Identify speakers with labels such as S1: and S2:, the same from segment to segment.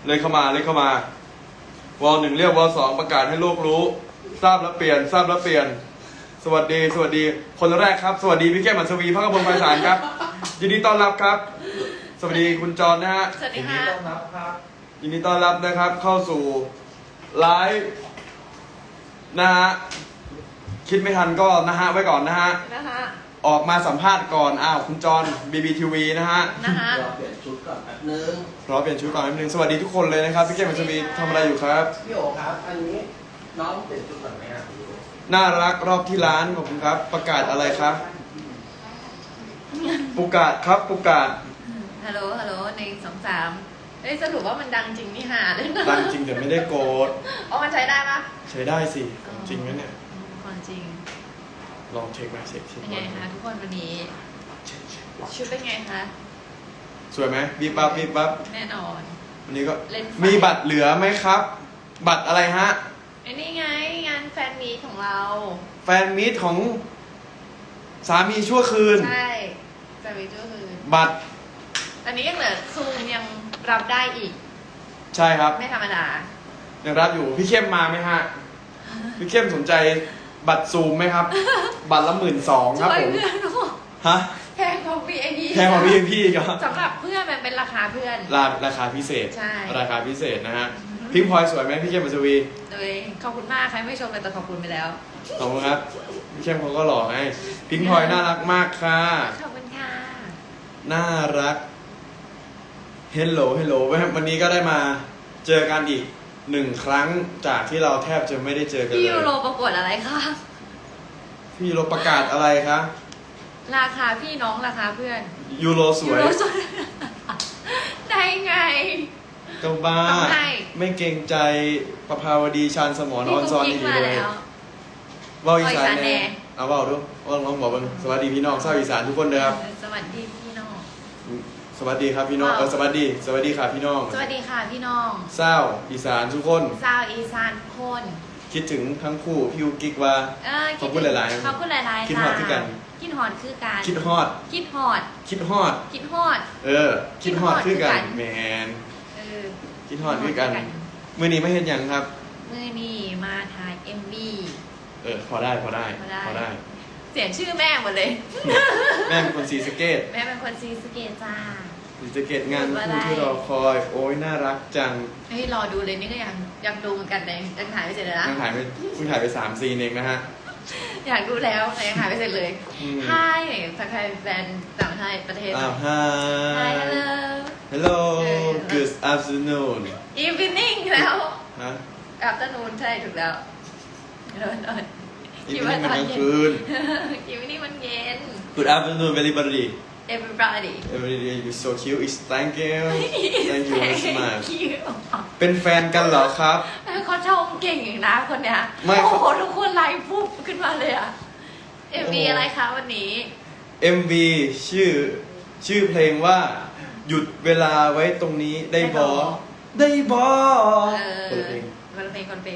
S1: เลยเข้ามาวอล1เรียกวอล2ประกาศให้โลกรู้ทราบแล้วเปลี่ยนสวัสดีคนแรกครับสวัสดีพี่แก้มอัศวีพระกบลไพศาลครับยินดีต้อนรับครับสวัสดีคุณจรนะฮะ
S2: สวัสดีค่ะ
S1: ยินดีต้อนรับนะครับเข้าสู่ไลฟ์นะฮะคิดไม่ทันก็นะฮะไว้ก่อนนะฮะ
S2: นะคะ
S1: ออกมาสัมภาษณ์ก่อนคุณจร BBTV นะฮะ
S2: นะคะ
S3: รอเปลี่ยนชุดก่อนแป๊บนึง
S1: รอเปลี่ยนชุดก่อนนิดนึงสวัสดีทุกคนเลยนะครับพี่แก้มอัศวีทำอะไรอยู่ครับ
S3: พี่โอครับ อันนี้น้องเปลี่ยนชุดก่อนไหมครับพี่โอ
S1: น่ารักรอบที่ร้านขอบคุณครับ ประกาศอะไรครับประกาศครับประกาศ
S2: ฮัลโหล1 2 3เอ้ยสรุปว่ามันดังจริงนี่หาเลยนะ
S1: ดังจริงแต่ไม่ได้โกรธ
S2: อ๋อมันใช้ได้ปะ
S1: ใช้ได้สิจริงไหมเนี่ย
S2: ความจริง
S1: ลองเช็คไหมเช็ค
S2: เป็นไงคะทุกคนวันนี้
S1: เช็ค
S2: ชุดเป็นไงคะ
S1: สวยไหมบีบปั๊บ
S2: แน่นอน
S1: วันนี้ก็
S2: เล่นไฟ
S1: มีบัตรเหลือไหมครับ บัตรอะไรฮะ
S2: ไอ้นี่ไงงานแฟนมีตของเรา
S1: แฟนมีตของสามีชั่วคืน
S2: ใช่แฟนมีตก็คือ
S1: บัตร
S2: อันนี้ยังเหลือซูมยังรับได้อีก
S1: ใช่ครับ
S2: ไม่ธรรมดา
S1: ยังรับอยู่พี่เข้มมาไหมฮะพี่เข้มสนใจบัตรซูมไหมครับ บัตรละ12,000ครับ
S2: ช่วย
S1: ผม
S2: เพื่อนหนู
S1: ฮะ
S2: แพงกว่า VIP
S1: แพงกว่า VIP อีกเหรอ
S2: สำหรับเพื่อนมันเป็นราคาเพื่อน
S1: ราคาพิเศษ
S2: ใช่
S1: ราคาพิเศษนะฮะพิงพลอยสวยไหมพี่เข้มอัศวี
S2: โดยขอบคุณมากใครไม่ชมเลยแต่ขอบคุณไปแล้ว
S1: ขอบคุณครับพี่เข้มเขาก็หล่อไงพิงพลอยน่ารักมากค่ะ
S2: ขอบคุณค่ะ
S1: น่ารักเฮลโหลวันนี้ก็ได้มาเจอกันอีก1 ครั้งจากที่เราแทบจะไม่ได้เจอกัน
S2: พี่
S1: เล
S2: ยู
S1: ย
S2: โรประกวดอะไรคะ
S1: พี่ยูโรประกาศอะไรคะ
S2: ราคาพี่น้องราคาเพื่อน
S1: ยูโรสวย
S2: ยูโรสวย ได้ไง
S1: ก็บ้า
S2: ต้องให้
S1: ไม่เกรงใจประภาวดีชาญสมรออนซอน
S2: พี่
S1: ดี
S2: กุ๊กกิ๊กมา
S1: เลย
S2: แล้ว
S1: เว่าอีสาน
S2: เว้าอีสานแน่
S1: แน่เอาเว่าดูว่าลองบอกกันสวัสดีพี่น้องชาวอีสานทุกคนเลยครับ
S2: สวัสดีพี่น้อง
S1: สวัสดีครับพี่น้อง
S2: ว้าว
S1: สวัสดีค่ะพี่น้อง
S2: สวัสดีค่ะพี่น้อง
S1: เศร้าอีสานทุกคน
S2: ชาวอีสานทุกคน
S1: คิดถึงทั้งคู่พี่ยูกิ๊กว่า ขอบคุณหลายๆ
S2: ขอบคุณหลายๆ
S1: คิดฮอดคือกัน
S2: คิดฮอดคือกัน
S1: คิดฮอด
S2: คิดฮอด
S1: คิดฮอด
S2: คิดฮอด
S1: คิดฮอดคือกันแมน
S2: เออ
S1: คิดฮอดคือกันมื่อนี้ไม่เห็นยังครับ
S2: มื่อนี้มาถ่าย MV
S1: พอได้
S2: เสียงชื่อแม่หมดเลย
S1: แม่เป็นคนศรีสะเกษ
S2: แม่เป็นคนซีสะเกตจ้า
S1: ศรีสะเกษงานคู่ที่รอคอยโอ้ยน่ารักจัง
S2: เฮ้ยรอดูเลยนี่ก็ยังดูเหมือนกันเลยยังถ่ายไม่เสร็จเลยนะ
S1: ยังถ่ายไปเพิ่งถ่ายไป3 ซีนเองนะฮะ
S2: อยากดูแล้วแต่ยังถ่ายไม่เสร็จเลย
S1: อืม
S2: Hi ทักทายแฟนต่างประเทศประเทศ
S1: ฮะ
S2: Hi hello
S1: Hello Good afternoon
S2: Evening แล้ว
S1: ฮะ
S2: Afternoon ใช่ถูกแล้วเดิน
S1: อีกนิดมันกลางคืน
S2: คิดว่านี่มันเย็น
S1: Good afternoon everybody
S2: Everybody
S1: everybody you so cute is thank you thank you very much
S2: Thank you
S1: เป็นแฟนกันเหรอครับ
S2: เขาชมเก่งอีกนะคนเนี้ย
S1: ไม่
S2: โอ้โหทุกคนไลฟ์ปุ๊บขึ้นมาเลยอะ MV อะไรคะวันนี้
S1: MV ชื่อเพลงว่า หยุดเวลาไว้ตรงนี้ได้บอได้บอ
S2: เออ
S1: คนละเพลง
S2: คนเพลง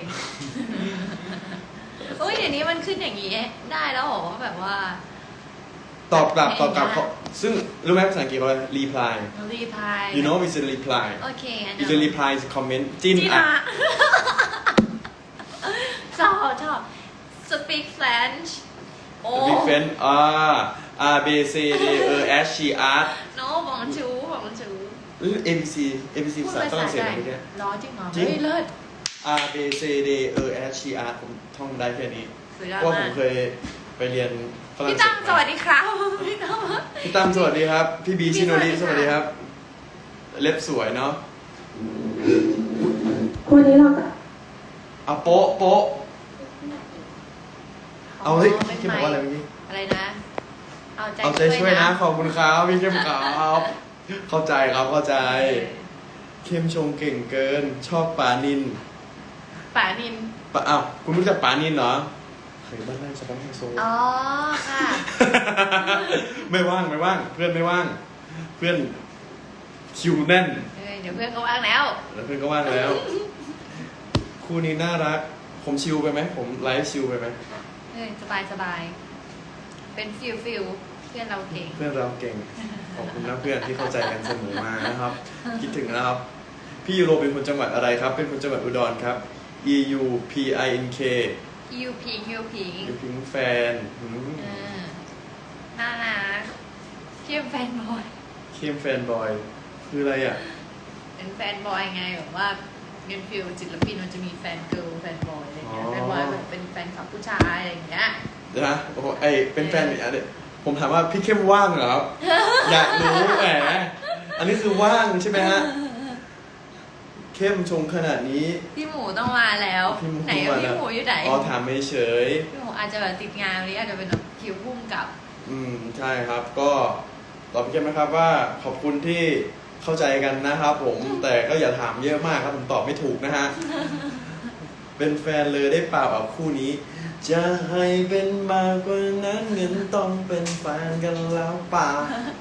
S2: โอ้ยเดี๋ยวนี้มันขึ้นอย่างนี้ได้แล้วเหรอแบบว่า
S1: ตอบกลับ
S2: เพลงได้
S1: เขาซึ่งรู้ไหมภาษาอังกฤษว่า reply
S2: รีพาย
S1: you know it's a reply
S2: โอเค
S1: it's a reply is comment จิ้น
S2: จี
S1: อ่ะ
S2: นะ ชอบ speak French โอ้
S1: big fan R B C D E S C R
S2: no บอกมันชู
S1: ABC ภาษาฝรั่งเศสอะไรเนี่ย
S2: ร้อจริงเหรอ
S1: จริง
S2: เฮ้ยเลิศ
S1: R B C D E S C R ผมท่องได้แค่นี้
S2: สุดยอด
S1: เพราะผม
S2: าม ก
S1: เคยไปเรียนฝรั่ง
S2: พี่
S1: เศ
S2: ตั้
S1: ส
S2: มสวัสดีครับพี่ตั้ม
S1: พี่ตั้มสวัสดีครับ พี่บี
S2: พี่
S1: ชิโนริ
S2: ส
S1: ส
S2: วั
S1: วั
S2: ส
S1: ส
S2: ดี
S1: ดี
S2: ค
S1: ค
S2: รั
S1: รับ บ เล็บสวยเนาะ
S4: วันนี้เราก็
S1: เอาโป๊ะเอาเฮ้ยพี่บอกว่าอะไรเมื่อกี้
S2: อะไรนะ
S1: เอาใจช่วยนะขอบคุณครับพี่เข้มครับเข้าใจครับเข้าใจ เข้มชงเก่งเกิน ชอบปานิน
S2: ป่านิน
S1: อ้าวคุณรู้จักปานินเหรอเคยบ้านไร่สปอนไฮโซ
S2: อ๋อค่ะ
S1: ไม่ว่างเพื่อนไม่ว่าง เพื่อนคิวแน่น
S2: เดี๋ยวเพื่อนก็ว่างแล้ว
S1: แล้วเพื่อนก็ว่างแล้ว คู่นี้น่ารัก ผมชิลไปไหมผมไลฟ์ชิลไปไหม
S2: สบาย เป็นฟิลเพื่อนเราเก่ง
S1: เพื่อนเราเก่ง ขอบคุณนะเพื่อนที่เข้าใจกันเสมอมานะครับ คิดถึงนะครับพี่ยูโรเป็นคนจังหวัดอะไรครับ เป็นคนจังหวัดอุดรครับ EUPINK
S2: ยูพิง
S1: ยูพิงแฟน
S2: น่ารักเข้มแฟนบอย
S1: เข้มแฟนบอย คืออะไรอ่ะ
S2: เป็นแฟนบอยไงแบบว่าเงินฟิลศิลปินมันจะมีแฟนเกิร์ลแฟนบอยอะไรเงี้ย
S1: อ๋อ
S2: แฟนบอยแบบเป็นแฟนคลับผู้ชายอะไรอย่างเงี้ย
S1: เดี๋ยวนะโอ้โหเป็นแฟนอีกอันเดียผมถามว่าพี่เข้มว่างเหรอครับ อยากรู้แหมอันนี้คือว่างใช่ไหมฮะ เข้มชงขนาดนี้
S2: พี่หมูต้องมาแล้ว
S1: พี่หมู
S2: ไหน
S1: ต้อง
S2: อะ
S1: มา
S2: พี่
S1: แล้ว
S2: หมูอยู่ไหน
S1: อ๋อถามไม่เฉย
S2: พี่หมูอาจจะแบบติดงานวันนี้อาจจะเป็นแบบคิวพุ่มกับ
S1: ใช่ครับ ก็ตอบพี่เข้มนะครับว่าขอบคุณที่เข้าใจกันนะครับผม แต่ก็อย่าถามเยอะมากครับผมตอบไม่ถูกนะฮะ เป็นแฟนเลยได้เปล่ากับคู่นี้ จะให้เป็นมากกว่านั้นเงินต้องเป็นแฟนกันแล้วป่า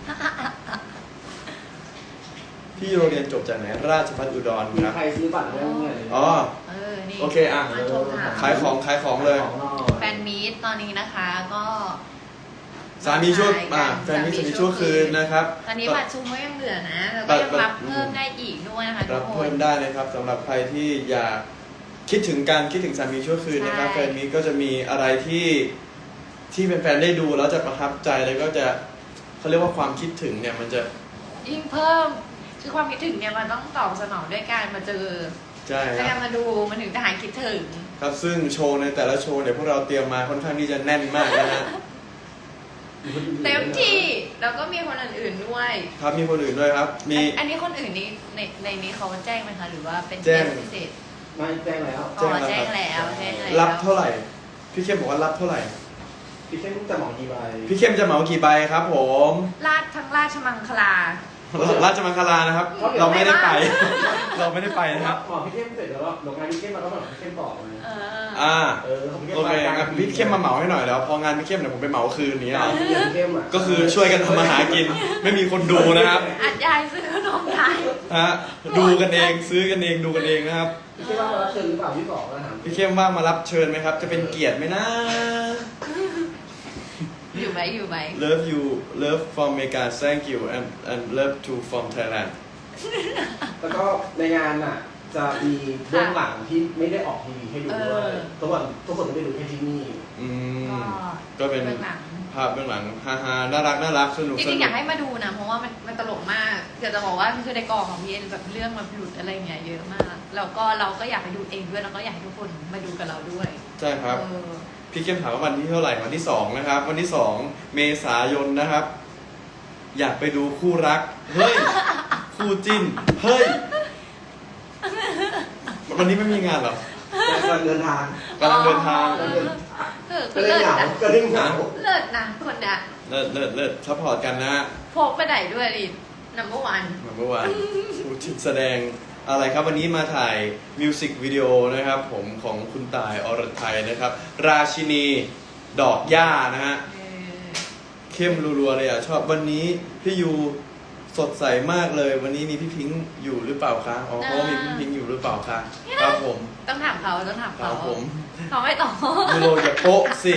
S1: พี่โรงเรียนจบจากไหนราชภัฏอุดร
S3: มี
S1: ครับ
S3: ใครซื้อบัตรได้บ้างเนี่ย
S1: อ๋อ
S2: นี่
S1: โอเคอ่ะ
S2: มาโทรถาม
S1: ขายของเลย
S2: แฟนมีตตอนนี้นะคะก็
S1: สามีชั่วแฟนมีสามีชั่วคืนนะครับ
S2: ตอนนี้บัตรซูมก็ยังเหลือนะแล้วก็ยังรับเพิ่มได้อีกด้วยนะคะทุ
S1: รั
S2: ก
S1: บ
S2: ค
S1: เพิ่
S2: น
S1: มได้นะครับสำหรับใครที่อยากคิดถึงสามีชั่วคืนนะครับ
S2: ใช่
S1: แฟนมีก็จะมีอะไรที่แฟนๆได้ดูแล้วจะประทับใจแล้วก็จะเขาเรียกว่าความคิดถึงเนี่ยมันจะ
S2: ยิ่งเพิ่มคือความคิดถึงเนี่ยมันต้องตอบสนองด้วยการมาเจอ
S1: ใช่ค
S2: ด้วย
S1: รั
S2: กา
S1: บ
S2: รมาดูมันถึงจะหายคิดถึง
S1: ครับซึ่งโชว์ในแต่ละโชว์เนี่ยพวกเราเตรียมมาค่อนข้างที่จะแน่นมากนะฮะ
S2: เต็มที่แล้วก็มีคนอื่นๆด้วย
S1: ครับมีคนอื่นด้วยครับ มี
S2: อันนี้คนอื่นนี้ในนี้เขาแจ้งไหมคะหรือว่าเป็น
S1: แจ้ง
S2: พิเศษ
S3: ไม่แจ้งแล้ว
S2: อ๋อแจ้งแล้วแจ้งแล้ว
S1: รับเท่าไหร่ พี่เข้มบอกว่ารับเท่าไหร่
S3: พี่เข้มจะหมอกี่ใบ
S1: พี่เข้มจะเหมากี่ใบครับผม
S2: ทั้งราชมังคลา
S1: ราชมังคลานะครับ เราไม่ได้ไป เราไม่ได้ไปนะครับ
S3: หมอพี่เข้มเสร็จแล้วโรงงานพี่เข้มมาก็หมอพี่เข้มต่อเลย
S1: อ่า
S3: ของพี่
S1: โอเคงั้นพี่เข้มมาเหมาให้หน่อยแล้วพองานพี่เข้มเดี๋ยวผมไปเหมาคืนนี้
S3: พี่เข้มอ่ะ
S1: ก็คือช่วยกันทำมาหากิน ไม่มีคนดูนะครับ
S2: อัดยายซื้อขนมไทย
S1: ฮะดูกันเองซื้อกันเองดูกันเองนะครับ
S3: พี่เข้มว่ารับเชิญหรือเปล่าพี่บอกนะถาม
S1: พี่เข้มว่างมารับเชิญไหมครับ จะเป็นเกียรติไหมนะ
S2: อยู่ไหม
S1: Love you love from Mega thank you and love to from Thailand
S3: แล้วก็ในงานอ่ะจะมีเบื้องหลังที่ไม่ได้ออกทีวีให้ดูด้วยทุกคนไม่ได้ดูแค่ที่นี่
S1: อืมก็เป็น
S2: เบื้องหลัง
S1: ภาพเบื้องหลังฮาๆน่ารักสนุก
S2: จริงๆอยากให้มาดูนะเพราะว่ามันตลกมากเดี๋ยวจะบอกว่าคือในกองของพี่เอ็นแบบเรื่องมันหลุดอะไรเงี้ยเยอะมากแล้วก็เราก็อยากไปดูเองด้วยแล้วก็อยากให้ทุกคนมาดูกับเราด้วย
S1: ใช่ครับ พี่เข้มถามว่าวันที่เท่าไหร่วันที่2นะครับวันที่2เมษายนนะครับ อยากไปดูคู่รักเฮ้ยคู่จิ้นเฮ้ยวันนี้ไม่มีงานเหรอก
S3: ำลังเดินทาง
S1: กำลังเดินทาง
S3: ก็เล่นเหงาก็เล่นเหงา
S2: เลิศนะคนเนี้ย
S1: เลิศซัพพอร์ตกันนะ
S2: พกไปไหนด้วยดินัมเบอร์วัน
S1: เมื่อวานคู่จิ้นแสดงอะไรครับวันนี้มาถ่ายมิวสิกวิดีโอนะครับผมของคุณตายอรไทยนะครับ ราชินีดอกหญ้านะฮะเข้มรัวๆเลยอ่ะชอบวันนี้พี่ยูสดใสมากเลย วันนี้มีพี่พิงค์อยู่หรือเปล่าคะอ๋อเพราะว่ามีพี่พิงค์อยู่หรือเปล่าคะครับผม
S2: ต้องถามเขา
S1: ครับผม
S2: เขาไม่ตอบ
S1: ยูโรอย่าโป๊ะสิ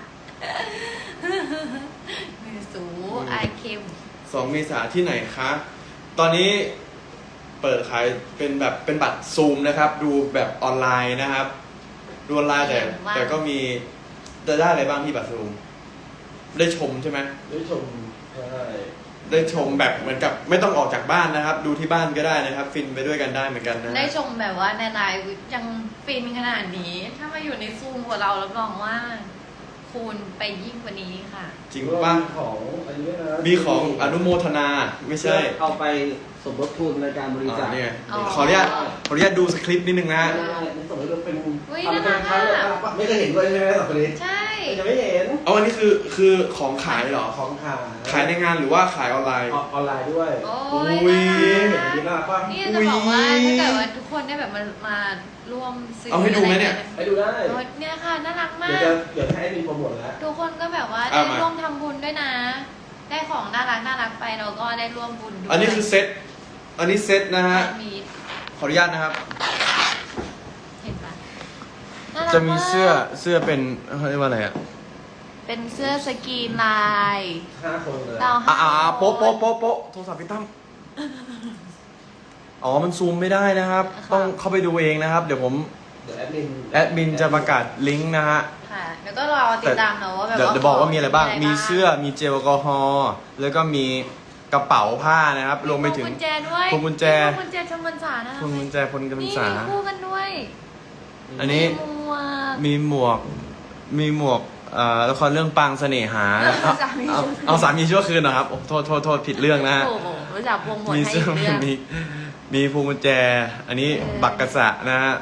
S2: มือสูไอเค็ม
S1: 2 เมษาที่ไหนคะตอนนี้เปิดขายเป็นแบบเป็นบัตรซูมนะครับ ดูแบบออนไลน์นะครับดูออนไลน์แต่ก็มีจะได้อะไรบ้างที่บัตรซูมได้ชมใช่ไหม
S3: ได้ชมใช่
S1: ได้ชมแบบเหมือนกับไม่ต้องออกจากบ้านนะครับ ดูที่บ้านก็ได้นะครับ ฟินไปด้วยกันได้เหมือนกันนะ
S2: ได้ชมแบบว่าในไลฟ์ยังฟินขนาดนี้ ถ้ามาอยู่ในซูมกับเรารับรองว่า คูณไปยิ่งกว่านี้ค่ะ
S1: จริงป่ะ
S3: ของอันนี้นะ
S1: มีของอนุโมทนาไม่ใช่
S3: เอาไปสมทบทุนในการบริจาค
S1: เนี่ย
S2: อ๋อ
S1: ขออนุญาตดูสคริปต์นิดนึงนะ
S3: ในสมมติว่าเป็น
S2: อุ๊ย
S3: ทำเป็นครั้ง
S2: น่ารัก
S3: ไม่เคยเห็นด้วยใช่ไหมสองคนนี้
S2: ใช่
S3: ยังไม่เห็น
S1: เอาอันนี้คือของขายเหรอ
S3: ของขาย
S1: ขายในงานหรือว่าขายออนไลน์
S3: ออนไลน์ด้วย
S2: โอ้
S1: อุ๊
S2: ย
S1: ย
S2: น่า
S3: เห็น
S2: รัก
S3: น่ารักป่ะ
S2: นี่จะบอกว่าถ้าเกิดว่าทุกคนได้แบบมาร่วมซื้อ
S1: เอาให้ดูไหมเนี่ย
S3: ไปดูได้
S2: โอ้ยเนี่ยค่ะน่ารักมา
S3: เดี๋ยว
S2: ก
S3: จะเดี๋ยวให้มีโปรโมทแล้ว
S2: ทุกคนก็แบบว่า
S1: เอา
S2: ได้
S1: มา
S2: ร่วมทำบุญด้วยนะ ได้ของน่ารักไปเราก็ได้ร่วมบุญด้วย
S1: อันนี้คือเซตอันนี้เซตนะฮะ
S2: มี
S1: ขออนุญาตนะครับ
S2: เห็นปะน่ารัก
S1: จะมีเสื้อ
S2: าก
S1: เสื้อเป็นเขาเรียกว่าอะไรอ่ะ
S2: เป็นเสื้อสกรีนลาย
S3: 5 คนเลย
S2: เรา
S1: โป๊ะโทรศัพท์พี่ตั้มอ๋อมันซูมไม่ได้นะครับ ต้องเข้าไปดูเองนะครับ เดี๋ยวผม
S3: เดี๋ยวแอดมิน
S1: จะประกาศลิงก์นะฮะ
S2: ค่ะแล้วก็รอติดตามเนาะว่าแบบ
S1: เดี๋ยว
S2: ว่า
S1: จะบอกว่ามีอะไรบ้าง มี
S2: ะ
S1: เสื้อ มีเจลแอลกอฮอล์ แล้วก็มีกระเป๋าผ้านะครับ รวมไปถึง
S2: พวงกุญแจด้วย
S1: พวงกุญแจ
S2: พวงกุญแจชมพรรษานะ
S1: พวงกุญแจพลกำ
S2: นี่
S1: ษา
S2: มีคู่กันด้วย
S1: อันนี้
S2: มีหมวก
S1: มีหมวกละครเรื่องปางเสน่หา
S2: สามีชั่วคืน
S1: เอาสามีชั่วคืนนะครับโอ้โทษผิดเรื่องนะฮะ
S2: โอ้โหรู้จักวงหมวด
S1: มี
S2: ให้
S1: เสื้อ
S2: อีกเรื่อง
S1: มีพวงกุญแจ อันนี้
S2: เออ
S1: บักกะสะนะฮะ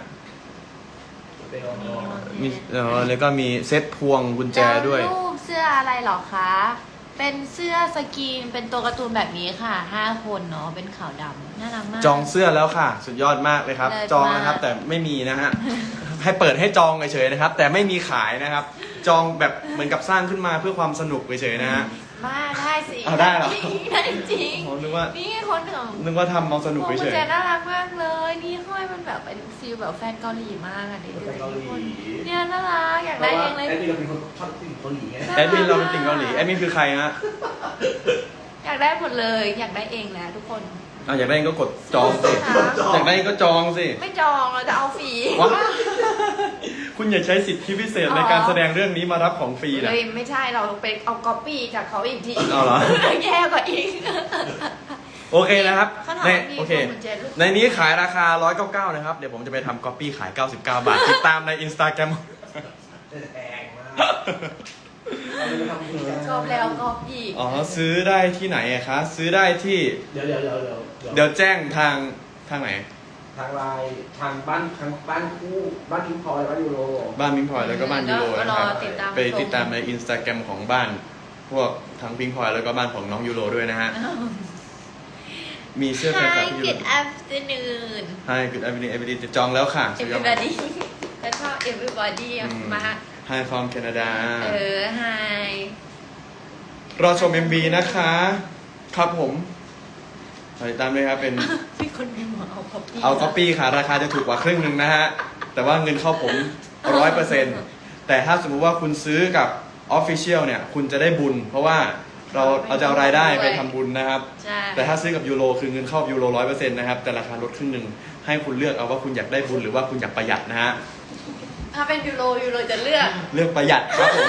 S1: มีแล้วก็มีเซ็ตพวงกุญแจด้วย
S2: แล้วรูปเสื้ออะไรเหรอคะ เป็นเสื้อสกรีน เป็นตัวการ์ตูนแบบนี้ค่ะ 5 คนเนาะ เป็นขาวดำน่ารักมาก
S1: จองเสื้อแล้วค่ะ สุดยอดมากเลยครับ
S2: เลิศ
S1: จองนะครับ
S2: มาก
S1: แต่ไม่มีนะฮะ ให้เปิดให้จองเฉยๆนะครับ แต่ไม่มีขายนะครับ จองแบบเหมือนกับสร้างขึ้นมาเพื่อความสนุกเฉยๆนะฮะ
S2: มาได้สิ
S1: เอาได้เหรอ
S2: ได้จริง
S1: ผมนึกว่า
S2: นี่คนของ
S1: นึกว่าทำเอาสนุก
S2: พวงกุ
S1: เฉ
S2: ญ
S1: ย
S2: แจน่ารักมากเลย นี่ห้อยมันแบบเป็นฟีลแบบแฟนเกาหลีมากอ่ะเด็ก
S3: แฟนเกาหลี
S2: เนี่ยน่ารักอยาก
S3: เพ
S2: ได้
S3: ราะว่า
S2: เองเลย
S3: แอดมินเราเป็นคนชอบติ่งเกาหลีไง
S1: ๆแอดมินเราเป็นติ่งเกาหลีแอดมินคือใครฮะ
S2: อยากได้หมดเลย อยากได้เองแหละทุกคน
S1: อยากได้ก็กดจองสิอยากได้ก็จองสิ
S2: ไม่จองเราจะเอาฟรี
S1: ว้าคุณอย่าใช้สิทธิพิเศษในการแสดงเรื่องนี้มารับของฟรีนะ
S2: เลยไม่ใช่เราไปเอาก๊อปปี้จากเขาอีกที
S1: เอาเหรอ
S2: แย่กว่าอีก
S1: โอเคนะครับ
S2: เขาถาม
S1: ใน
S2: ว่ามี
S1: โอเค
S2: พวงกุญแจลูก
S1: ในนี้ขายราคา 199 นะครับ เดี๋ยวผมจะไปทำก๊อปปี้ขาย 99 บาท ติดตามใน Instagram
S3: แพงมากเอาไปทำบุญนะ
S2: ชอบแล้วก๊อปอีก
S1: อ๋อ ซื้อได้ที่ไหนอะคะ ซื้อได้ที่
S3: เดี๋ยว
S1: เดี๋ยวแจ้งทางไหน
S3: ทางไลน์ทางบ้านคู่บ้านพิงพลอยบ้านยูโร
S1: บ้านมิงพลอยแล้วก็บ้านยูโร
S2: ก็
S1: นะ
S2: ร
S1: ค
S2: อ
S1: รับ
S2: ติดตาม
S1: ไปติดตามใน Instagram ของบ้าน พวกทั้งพิงพลอยแล้วก็บ้านของน้องยูโรด้วยนะฮะ มีเสื้อแฟนคลับ
S2: Hi
S1: ที่ยูโร
S2: good afternoon
S1: Hi good evening everybody จะจองแล้วค่ะสุดยอด
S2: everybody ก็ชอบ everybody อะมา
S1: Hi from Canada
S2: Hi
S1: รอชม MV นะคะ ครับผมติดตามด้วยครับเป็น
S2: มีคนมีหมอเอาก๊อปปี้
S1: เอาก๊อปปี้ค่ะ ราคาจะถูกกว่าครึ่งหนึ่งนะฮะ แต่ว่าเงินเข้าผม 100%แต่ถ้าสมมุติว่าคุณซื้อกับ Official เนี่ย คุณจะได้บุญ เพราะว่าเราจะเอารายได้ไปทำบุญนะครับ
S2: ใช่
S1: แต่ถ้าซื้อกับยูโรคือเงินเข้ายูโร 100% นะครับ แต่ราคาลดครึ่งหนึ่งให้คุณเลือกเอาว่าคุณอยากได้บุญหรือว่าคุณอยากประหยัดนะฮะ
S2: ถ้าเป็นยูโรจะเลือก
S1: เลือกประหยัดครับผม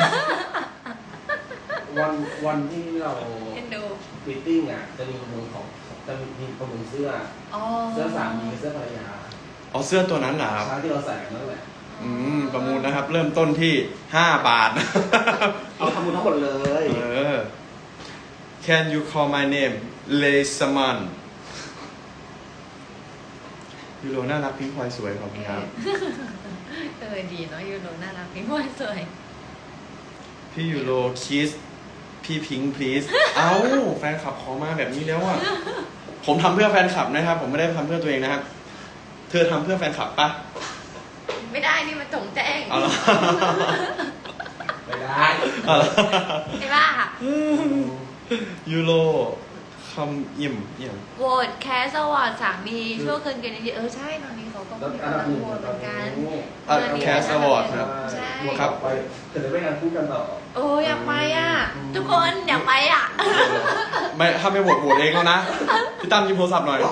S3: วันที่เรา
S2: เอ็นดู
S3: มีตติ้งอ่ะจะมีประมูลเสื้อ
S2: อ๋อ
S3: เสื้อสามีกับเสื้อภรรยา
S1: เอาเสื้อตัวนั้นเหรอครับ
S3: ช้าที่เราใส่กันนั่นแหละ
S1: ประมูลนะครับ เริ่มต้นที่ 5 บาท
S3: เอาทำบุญทั้งหมดเลย
S1: Can you call my name Lay Saman ยูโรน่ารักพิงพลอยสวยขอบคุณครับ
S2: ดีเนาะยูโรน่ารักพี่มวยสวย
S1: พี่ยูโรคิสพี่พิง please เอ้า แฟนคลับขอมาแบบนี้แล้วอ่ะ ผมทำเพื่อแฟนคลับนะครับ ผมไม่ได้ทำเพื่อตัวเองนะครับ เธอทำเพื่อแฟนคลับปะ
S2: ไม่ได้นี่มันจงแจ้ง
S1: เอาละ
S3: ไม่ได้
S1: เอาละ
S2: ไอ้บ้า
S1: ยูโรคำอิ่ม
S2: โหวตแคสสวอร์ดสามีชั่วคืนกันดีใช่ตอนนี้เขาก็
S3: แล้ว
S2: มี
S3: อันดับ
S2: กำลัง
S3: หนึ่ง
S2: โหวตเหมือนกัน
S1: แคสอวอร์ดครับ
S2: ใช่
S1: ครับ
S3: ไปเกิดไปงานคู่กันต่อ
S2: โอ้อยากไปอ่ะ ทุกคนอยากไปอ่ะ
S1: ไม่ถ้าไม่โหวตเองแล้วนะ พี่ตั้มยิมโทรศัพท์หน่อย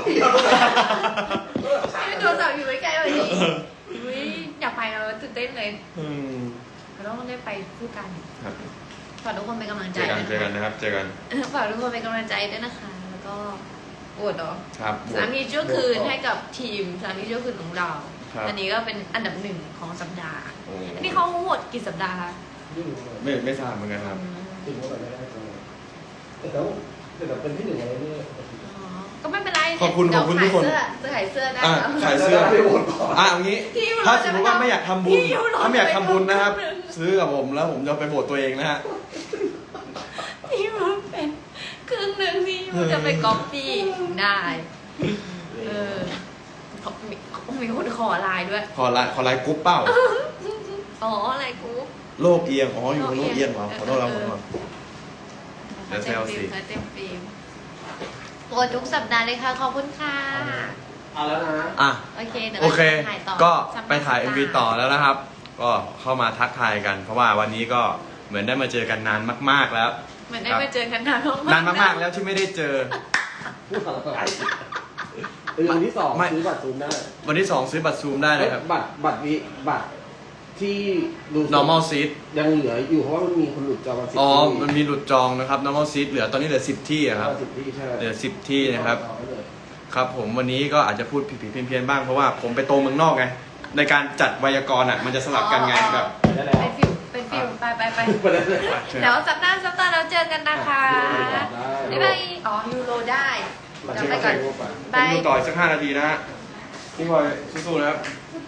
S2: ไม่ตัวสาวอยู่ใกล้ๆวันนี้อุ๊ยอยากไปเราตื่นเต้นเลย
S1: อืม
S2: เราต้องได้ไปคู่กัน
S1: ครับ
S2: ฝากทุกคนเป็นกำลังใจ
S1: เจอกันนะครับ เจอกัน
S2: ฝากทุกคนเป็นกำลังใจด้วยนะคะ แล้วก็โหวตเนาะ
S1: ครับโหว
S2: สา
S1: ต
S2: มีชั่วคืนให้กับทีมสามีชั่วคืนของเรา
S1: ครับ
S2: อันนี้ก็เป็นอันดับหนึ่งของสัปดาห์
S1: โอ้
S2: อันนี้เขาโหวตกี่สัปดาห์คะ
S3: ไม่รู้เลย
S1: ไม่ทราบเหมือนกันครับ
S3: จริงว่าแบบไม่ได้จังเลยแต่เป็นที่หนึ่งอะไรนี่
S2: อ๋อก็ไม่เป็นไร
S1: ขอบคุณทุกคน
S2: จะขายเสื้อได้
S1: อ่ะ
S2: แล้ว
S1: ขายเสื้อ
S3: ไปโหวตก่อน
S1: เอางี้
S2: พี่ยูโร
S1: ถ้าสมมติว่าไม่อยากทำบุญ
S2: พี่ยูโร
S1: ถ้าไม่อยากทำบุญนะครับ
S2: ไปทำบุญ
S1: ซื้อกับผมแล้วผมจะไปโบสตัวเองนะฮะ
S2: ที่มันเป็นครึ่งหนึ่งที่มันจะไปก๊อปปี้ได้เออเขามีคนขอไลน์ด้วย
S1: ขอไลน์กรุ๊ปเป้า
S2: อ๋ออะไรกู
S1: โลกเอียง อ๋อ อยู่โลกเอียงเหรอขอโทษครับขอโทษ เดี๋ยวแซวสิ
S2: เต็มฟิล์มโอ้ทุกสัปดาห์เลยค่ะ ขอบคุณค่ะ
S3: เอาแล้วนะ
S1: อ่ะ
S2: โอเคเดี๋ยว
S1: โอเค
S2: ถ่ายต่อ
S1: ก็
S2: สัปดห์
S1: ไปถ่าย
S2: สัป
S1: MV
S2: ดห์
S1: ต่อแล้วนะครับ ก็เข้ามาทักทายกัน เพราะว่าวันนี้ก็เหมือนได้มาเจอกันนานมาก ๆแล้ว
S2: เหมือนได้มาเจอกันนาน
S1: นานมากๆแล้วที่ไม่ได้เจอ
S3: พูดอะไรวันที่สอง
S1: ไม่
S3: ซื้อบัตรซูมได้
S1: วันที่ 2 ซื้อบัตรซูมได้นะครับ
S3: บัตรที่ดู
S1: normal seat
S3: ยังเหลืออยู่เพราะว่ามันมีคนหลุดจองมา10
S1: อ๋อ
S3: ที่
S1: มันมีหลุดจองนะครับ normal seat เหลือตอนนี้เหลือ 10 ที่อะครับ
S3: 10 ที่ใช่
S1: เหลือ 10 ที่นะครับ
S3: จองไว้เลย
S1: ครับผมวันนี้ก็อาจจะพูดผิดๆเพี้ยนๆบ้างเพราะว่าผมไปโตเมืองนอกไง ในการจัดไวยากรณ์อ่ะมันจะสลับกันไงแบบ
S3: ได้แล้ว
S2: เป็นฟิวไป
S3: ไปได้เลย
S2: เดี๋ยวสัปดาห์เราเจอกันนะคะบ๊ายบายอ๋อยูโรได้เดี๋ยวไปก่อน
S1: ผ
S2: บาม ย
S1: ดูต่ออีกสัก5 นาทีนะฮะพี่พลอยสู้ๆนะครับ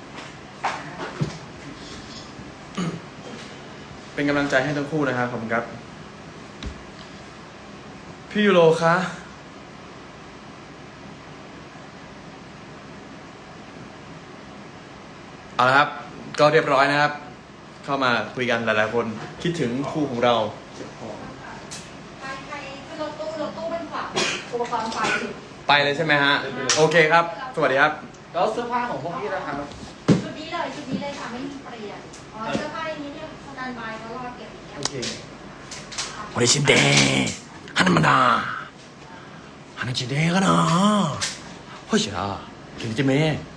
S1: เป็นกำลังใจให้ทั้งคู่นะครับขอบคุณครับ พี่ยูโรคะเอาละครับ ก็เรียบร้อยนะครับ เข้ามาคุยกันหลายๆคนคิดถึงคู่ของเรา
S2: ใครรถตู้เป็นฝั่งอุปกรณ์ไฟ
S1: ไปเลยใช่ไหมฮะ โอเคครับ สวัสดีครับ
S3: แล้วเสื้อผ้าของพวกพี่นะครับ
S2: ชุดนี้เลยค่ะไม่มีเปลี่ยนอ๋อเสื้อผ้าอย่างนี้เนี่ยสแตนบายก็รอเก็บอย่างเงี้ย
S3: โอเค
S1: 俺死んで花まだ花ちでえかなほいしゃ君てめえ